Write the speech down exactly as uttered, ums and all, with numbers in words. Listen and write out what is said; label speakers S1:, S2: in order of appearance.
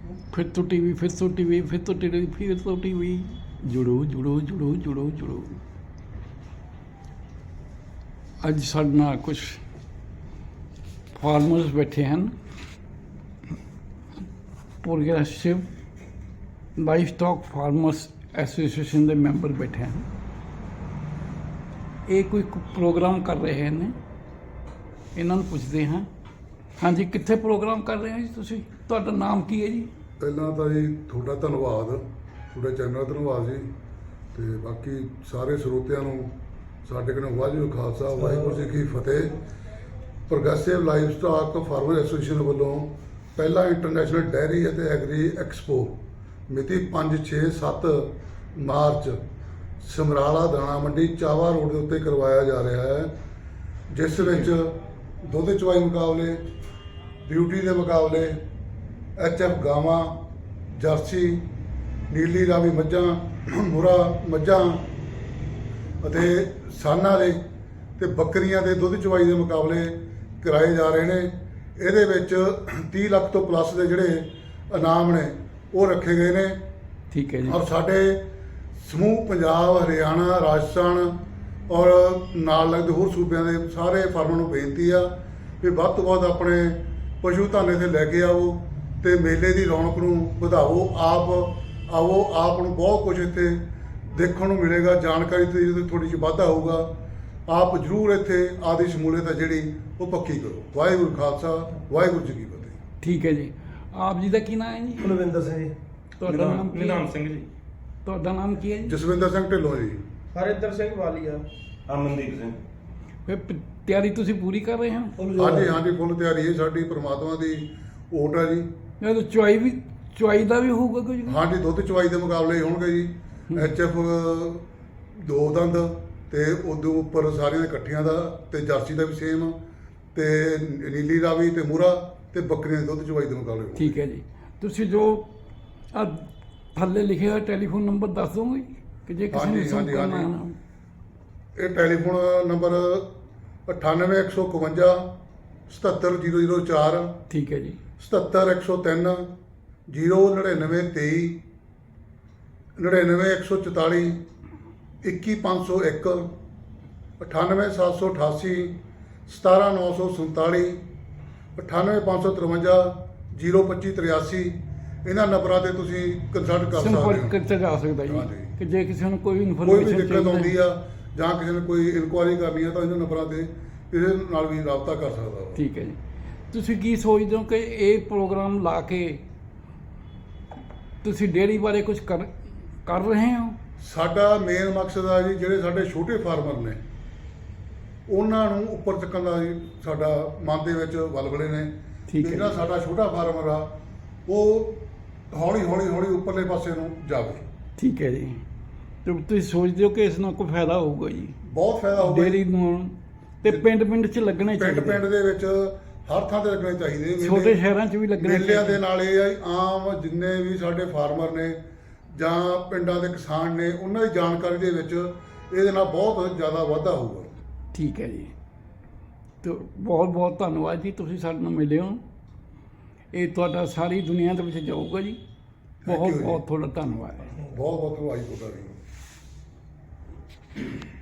S1: फिर तो टीवी फिर तो टीवी फिर तो टीवी फिर तो टीवी जुड़ो जुड़ो जुड़ो जुड़ो जुड़ो ਅੱਜ ਸਾਡੇ ਨਾਲ ਕੁਝ ਫਾਰਮਰਸ ਬੈਠੇ ਹਨ progressive livestock farmers association ਦੇ ਮੈਂਬਰ ਬੈਠੇ ਹਨ ਇਹ ਕੋਈ ਪ੍ਰੋਗਰਾਮ ਕਰ ਰਹੇ ਨੇ ਇਹਨਾਂ ਨੂੰ ਪੁੱਛਦੇ ਹਾਂ ਹਾਂਜੀ ਕਿੱਥੇ ਪ੍ਰੋਗਰਾਮ ਕਰ ਰਹੇ ਹੋ ਜੀ ਤੁਸੀਂ ਤੁਹਾਡਾ ਨਾਮ ਕੀ ਹੈ ਜੀ
S2: ਪਹਿਲਾਂ ਤਾਂ ਜੀ ਤੁਹਾਡਾ ਧੰਨਵਾਦ ਤੁਹਾਡੇ ਚੈਨਲ ਦਾ ਧੰਨਵਾਦ ਜੀ ਤੇ ਬਾਕੀ ਸਾਰੇ ਸਰੋਤਿਆਂ ਨੂੰ ਸਾਡੇ ਕੋਲ ਵਾਹਿਗੁਰੂ ਖਾਲਸਾ ਵਾਹਿਗੁਰੂ ਜੀ ਕੀ ਫਤਿਹ progressive livestock farmer association ਵੱਲੋਂ ਪਹਿਲਾ ਇੰਟਰਨੈਸ਼ਨਲ ਡੈਰੀ ਅਤੇ ਐਗਰੀ ਐਕਸਪੋ ਮਿਤੀ ਪੰਜ ਛੇ ਸੱਤ ਮਾਰਚ ਸਮਰਾਲਾ ਦਾਣਾ ਮੰਡੀ ਚਾਵਾ ਰੋਡ ਦੇ ਉੱਤੇ ਕਰਵਾਇਆ ਜਾ ਰਿਹਾ ਹੈ ਜਿਸ ਵਿੱਚ ਦੁੱਧ ਚਵਾਈ ਮੁਕਾਬਲੇ ਬਿਊਟੀ ਦੇ ਮੁਕਾਬਲੇ ਐਚ ਐਫ ਗਾਵਾਂ ਜਰਸੀ ਨੀਲੀ ਰਾਵੀ ਮੱਝਾਂ ਮੁਰਾ ਮੱਝਾਂ ਅਤੇ ਸਾਨਾਂ ਦੇ ਤੇ ਬੱਕਰੀਆਂ ਦੇ ਦੁੱਧ ਚਵਾਈ ਦੇ ਮੁਕਾਬਲੇ ਕਰਾਏ ਜਾ ਰਹੇ ਨੇ ਇਹਦੇ ਵਿੱਚ ਤੀਹ ਲੱਖ ਤੋਂ ਪਲੱਸ ਦੇ ਜਿਹੜੇ ਇਨਾਮ ਨੇ ਉਹ ਰੱਖੇ ਗਏ ਨੇ
S1: ਠੀਕ ਹੈ ਜੀ
S2: ਔਰ ਸਾਡੇ ਸਮੂਹ ਪੰਜਾਬ ਹਰਿਆਣਾ ਰਾਜਸਥਾਨ ਔਰ ਨਾਲ ਲੱਗਦੇ ਹੋਰ ਸੂਬਿਆਂ ਦੇ ਸਾਰੇ ਫਾਰਮਰਾਂ ਨੂੰ ਬੇਨਤੀ ਆ ਵੀ ਵੱਧ ਤੋਂ ਵੱਧ ਆਪਣੇ ਪਸ਼ੂ ਧਨ ਇੱਥੇ ਲੈ ਕੇ ਆਓ ਤੇ ਮੇਲੇ ਦੀ ਰੌਣਕ ਨੂੰ ਵਧਾਓ ਆਪ ਆਓ ਆਪ ਨੂੰ ਬਹੁਤ ਕੁਝ ਇੱਥੇ ਦੇਖਣ ਨੂੰ ਮਿਲੇਗਾ ਜਾਣਕਾਰੀ ਤੇ ਜਦੋਂ ਥੋੜੀ ਜਿਹੀ ਵਾਧਾ ਹੋਊਗਾ ਆਪ ਜ਼ਰੂਰ ਇੱਥੇ ਆਦੀ ਸ਼ਮੂਲੀਅਤ ਹੈ ਜਿਹੜੀ ਉਹ ਪੱਕੀ ਕਰੋ ਵਾਹਿਗੁਰੂ ਖਾਲਸਾ ਵਾਹਿਗੁਰੂ ਜੀ ਕੀ ਫਤਿਹ
S1: ਠੀਕ ਹੈ ਜੀ ਆਪ ਜੀ ਦਾ ਕੀ ਨਾਮ ਹੈ ਜੀ
S3: ਕੁਲਵਿੰਦਰ ਸਿੰਘ ਜੀ
S1: ਤੁਹਾਡਾ ਨਾਮ ਕੀ
S4: ਨਿਧਾਨ ਸਿੰਘ ਜੀ
S1: ਤੁਹਾਡਾ ਨਾਮ ਕੀ ਹੈ ਜੀ
S2: ਜਸਵਿੰਦਰ ਸਿੰਘ ਢਿੱਲੋਂ ਜੀ
S3: ਹਰਿੰਦਰ ਸਿੰਘ ਵਾਲੀਆ
S4: ਅਮਨਦੀਪ ਸਿੰਘ
S1: ਫਿਰ ਪ- ਤਿਆਰੀ ਤੁਸੀਂ ਪੂਰੀ ਕਰ ਰਹੇ ਹੋ
S2: ਹਾਂਜੀ ਹਾਂਜੀ ਫੁੱਲ ਤਿਆਰੀ ਹੈ ਸਾਡੀ ਪ੍ਰਮਾਤਮਾ ਦੀ ਓਟ ਹੈ ਜੀ
S1: ਇਹ ਤਾਂ ਚੁਆਈ ਵੀ ਚੁਆਈ ਦਾ ਵੀ ਹੋਊਗਾ ਕੁਝ
S2: ਹਾਂਜੀ ਦੁੱਧ ਚਵਾਈ ਦੇ ਮੁਕਾਬਲੇ ਹੋਣਗੇ ਜੀ ਐਚ ਐਫ ਦੋ ਦੰਦ ਤੇ ਉਦੋਂ ਉੱਪਰ ਸਾਰੀਆਂ ਦੇ ਇਕੱਠੀਆਂ ਦਾ ਤੇ ਜਰਸੀ ਦਾ ਵੀ ਸੇਮ ਤੇ ਨੀਲੀ ਰਾਵੀ ਤੇ ਮੂਰਾ ਤੇ ਬੱਕਰੀਆਂ ਦੇ ਦੁੱਧ ਚਵਾਈ ਦੇ ਮੁਕਾਬਲੇ ਹੋਣਗੇ।
S1: ਠੀਕ ਹੈ ਜੀ ਤੁਸੀਂ ਜੋ ਆ ਥੱਲੇ ਲਿਖਿਆ ਹੋਇਆ ਟੈਲੀਫੋਨ ਨੰਬਰ ਦੱਸ ਦੋਗੇ ਕਿ ਜੇ ਕਿਸੇ ਨੇ
S2: ਹਾਂਜੀ,
S1: ਸੰਪਰਕ
S2: ਹਾਂਜੀ,
S1: ਕਰਨਾ
S2: ਹਾਂਜੀ।
S1: ਹੈ
S2: ਇਹ ਟੈਲੀਫੋਨ ਨੰਬਰ ਅਠਾਨਵੇਂ ਇੱਕ ਸੌ ਇਕਵੰਜਾ ਸਤੱਤਰ ਜ਼ੀਰੋ ਜ਼ੀਰੋ ਚਾਰ
S1: ਠੀਕ ਹੈ ਜੀ
S2: ਸਤੱਤਰ ਇੱਕ ਸੌ ਤਿੰਨ ਜ਼ੀਰੋ ਨੜਿਨਵੇਂ ਤੇਈ ਨੜਿਨਵੇਂ ਇੱਕ ਸੌ ਚੁਤਾਲੀ ਇੱਕੀ ਪੰਜ ਸੌ ਇੱਕ ਅਠਾਨਵੇਂ ਸੱਤ ਸੌ ਅਠਾਸੀ ਸਤਾਰਾਂ ਨੌ ਸੌ ਸੰਤਾਲੀ ਅਠਾਨਵੇਂ ਪੰਜ ਸੌ ਤਰਵੰਜਾ ਜ਼ੀਰੋ ਪੱਚੀ ਤਰਿਆਸੀ ਇਹਨਾਂ ਨੰਬਰਾਂ ਤੇ ਤੁਸੀਂ ਕੰਸਲਟ ਕਰ ਸਕਦੇ
S1: ਸੰਪਰਕ
S2: ਹੋ
S1: ਕੀਤਾ ਜਾ ਸਕਦਾ ਜੀ
S2: ਹਾਂਜੀ।
S1: ਕਿ ਜੇ ਕਿਸੇ ਨੂੰ ਕੋਈ
S2: ਕੋਈ ਵੀ
S1: ਇਨਫੋਰਮੇਸ਼ਨ
S2: ਦਿੱਕਤ ਆਉਂਦੀ ਆ ਜਾਂ ਕਿਸੇ ਨੇ ਕੋਈ ਇਨਕੁਆਇਰੀ ਕਰਨੀ ਆ ਤਾਂ ਇਹਨਾਂ ਨੰਬਰਾਂ ਤੇ ਕਿਸੇ ਨਾਲ ਵੀ ਰਾਬਤਾ ਕਰ ਸਕਦਾ ਵਾ
S1: ਠੀਕ ਹੈ ਜੀ ਤੁਸੀਂ ਕੀ ਸੋਚਦੇ ਹੋ ਕਿ ਇਹ ਪ੍ਰੋਗਰਾਮ ਲਾ ਕੇ ਤੁਸੀਂ ਡੇਅਰੀ ਬਾਰੇ ਕੁਝ ਕਰ ਕਰ ਰਹੇ ਹੋ
S2: ਸਾਡਾ ਮੇਨ ਮਕਸਦ ਆ ਜੀ ਜਿਹੜੇ ਸਾਡੇ ਛੋਟੇ ਫਾਰਮਰ ਨੇ ਉਹਨਾਂ ਨੂੰ ਉੱਪਰ ਚੱਕਣ ਦਾ ਜੀ ਸਾਡਾ ਮਨ ਦੇ ਵਿੱਚ ਵਲਵਲੇ ਨੇ
S1: ਠੀਕ ਹੈ
S2: ਜਿਹੜਾ
S1: ਜੀ।
S2: ਸਾਡਾ ਛੋਟਾ ਫਾਰਮਰ ਆ ਉਹ ਹੌਲੀ ਹੌਲੀ ਹੌਲੀ ਉੱਪਰਲੇ ਪਾਸੇ ਨੂੰ ਜਾਵੇ
S1: ਠੀਕ ਹੈ ਜੀ ਤੇ ਤੁਸੀਂ ਸੋਚਦੇ ਹੋ ਕਿ ਇਸ ਨਾਲ ਕੋਈ ਫਾਇਦਾ ਹੋਊਗਾ ਜੀ
S2: ਬਹੁਤ ਫਾਇਦਾ ਹੋਊਗਾ
S1: ਡੇਅਰੀ ਨੂੰ ਤੇ ਪਿੰਡ ਪਿੰਡ 'ਚ ਲੱਗਣੇ
S2: ਪਿੰਡ
S1: ਚਾਹੀਦੇ
S2: ਪਿੰਡ ਦੇ ਵਿੱਚ ਹਰ ਥਾਂ ਤੇ ਲੱਗਣੇ ਚਾਹੀਦੇ ਮੇਲੇ।
S1: ਛੋਟੇ ਸ਼ਹਿਰਾਂ 'ਚ ਵੀ ਲੱਗਣੇ
S2: ਮੇਲਿਆਂ ਦੇ
S1: ਚਾਹੀਦੇ
S2: ਨਾਲ ਇਹ ਆ ਜੀ, ਆਮ ਜਿੰਨੇ ਵੀ ਸਾਡੇ ਫਾਰਮਰ ਨੇ ਜਾਂ ਪਿੰਡਾਂ ਦੇ ਕਿਸਾਨ ਨੇ ਉਹਨਾਂ ਦੀ ਜਾਣਕਾਰੀ ਦੇ ਵਿੱਚ ਇਹਦੇ ਨਾਲ ਬਹੁਤ ਜ਼ਿਆਦਾ ਵਾਧਾ ਹੋਊਗਾ
S1: ਠੀਕ ਹੈ ਜੀ ਤੇ ਬਹੁਤ ਬਹੁਤ ਧੰਨਵਾਦ ਜੀ ਤੁਸੀਂ ਸਾਡੇ ਨਾਲ ਮਿਲੇ ਹੋ ਇਹ ਤੁਹਾਡਾ ਸਾਰੀ ਦੁਨੀਆ ਦੇ ਵਿੱਚ ਜਾਊਗਾ ਜੀ
S2: you
S1: ਬਹੁਤ
S2: ਜੀ।
S1: ਬਹੁਤ ਤੁਹਾਡਾ ਧੰਨਵਾਦ
S2: ਬਹੁਤ ਬਹੁਤ ਧੰਨਵਾਦ ਤੁਹਾਡਾ ਵੀ